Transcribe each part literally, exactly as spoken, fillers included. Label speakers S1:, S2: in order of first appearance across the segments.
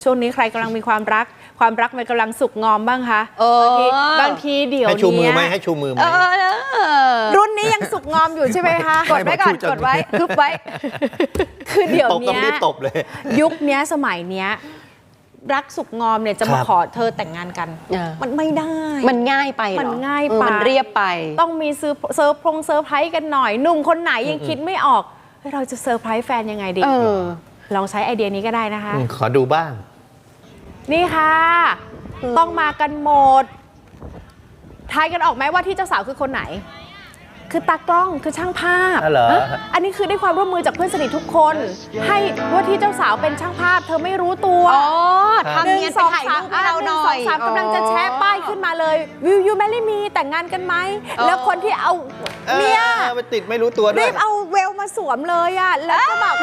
S1: ช่วงนี้ใครกำลังมีความรักความรักมันกำลังสุกงอมบ้างคะบางทีบางทีเดี๋ยวนี้
S2: ให้ชูมือไหมให้ชูมือไหม
S1: รุ่นนี้ยังสุกงอมอยู่ใช่ไหมคะ
S2: กดไว้ก่อนกดไว้
S1: คึบไว้คือเดี๋ยวนี้
S2: ต้องรีบตบเลย
S1: ยุคนี้สมัยนี้รักสุกงอมเนี่ยจะมาขอเธอแต่งงานกันมันไม่ได้
S3: มันง่ายไป
S1: มันง่ายไป
S3: มันเรียบไป
S1: ต้องมีเซอร์เซอร์พงเซอร์ไพรส์กันหน่อยหนุ่มคนไหนยังคิดไม่ออกเราจะเซอร์ไพรส์แฟนยังไงดีลองใช้ไอเดียนี้ก็ได้นะคะ
S2: ขอดูบ้าง
S1: นี่ค่ะต้องมากันหมดทายกันออกไหมว่าที่เจ้าสาวคือคนไหนคือตากล้องคือช่างภาพ
S2: เหรอ
S1: อันนี้คือได้ความร่วมมือจากเพื่อนสนิททุกคนให้ว่าที่เจ้าสาวเป็นช่างภาพเธอไม่รู้ตัว
S3: อ๋อทำเนียนไปถ่ายรูปให้เราหน่อย
S1: สามกำลังจะแชร์ป้ายขึ้นมาเลยวิวยูแมรี่มีแต่งงานกันไหมแล้วคนที่เอาเนี่ย
S2: ไปติดไม่รู้ตัวด้วย
S1: รีบเอาเวลมาสวมเลยอ่ะแล้วก็แบบ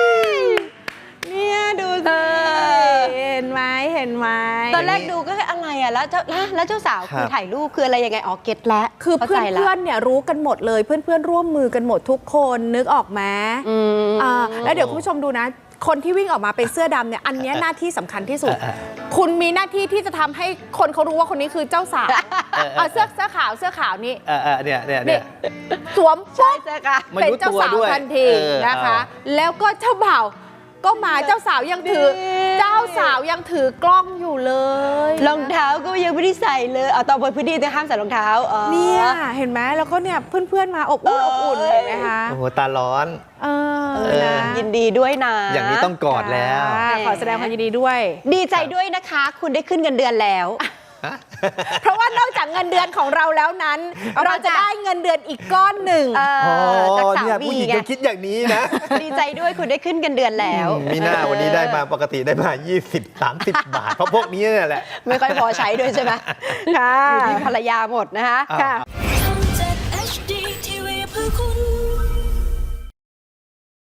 S1: เนี่ยดูสิเห็นไหมเห็นไหม
S3: ตอนแรกดูก็อะไรอ่ะแล้วเจ้าแล้วเจ้าสาวคือถ่ายรูปคืออะไรยังไงอ๋อเก็ตแล้ว
S1: คือเพื่อนเพื่อนเนี่ยรู้กันหมดเลยเพื่อนเพื่อนร่วมมือกันหมดทุกคนนึกออกไหมอ่าแล้วเดี๋ยวคุณผู้ชมดูนะคนที่วิ่งออกมาเป็นเสื้อดำเนี่ยอันนี้หน้าที่สำคัญที่สุดคุณมีหน้าที่ที่จะทำให้คนเขารู้ว่าคนนี้คือเจ้าสาวเสื้อเสื้อขาวเสื้อขาวนี่
S2: เนี่ยเนี่ยเนี่ย
S1: สวมปุ๊บเป็นเจ้าสาวทันทีนะคะแล้วก็เจ้าบ่าวก็มาเจ้าสาวยังถือเจ้าสาวยังถือกล้องอยู่เลย
S3: รองเท้าก็ยังไม่ได้ใส่เลยเอาตอนบนพื้นที่จะห้ามใส่รองเท้า
S1: เนี่ยเห็นไหมแล้วก็เนี่ยเพื่อนๆมาอบอุ่นอบอุ่นเห็นไหมคะ
S2: โอ้โหตาร้อน
S1: เออ
S3: ยินดีด้วยนะ
S2: อย่างนี้ต้องกอดแล้ว
S1: ขอแสดงความยินดีด้วย
S3: ดีใจด้วยนะคะคุณได้ขึ้นเงินเดือนแล้ว
S1: เพราะว่านอกจากเงินเดือนของเราแล้วนั้นเราจะได้เงินเดือนอีกก้อนหนึ่ง
S2: จากสามีผู้หญิงก็คิดอย่างนี้นะ
S3: ดีใจด้วยคุณได้ขึ้นเงินเดือนแล้ว
S2: มีหน้าวันนี้ได้มาปกติได้มายี่สิบ สามสิบบาทเพราะพวกนี้เนี่ยแหละ
S3: ไม่ค่อยพอใช้ด้วยใช่ไหมค่ะอยู่ที่ภรรยาหมดนะคะ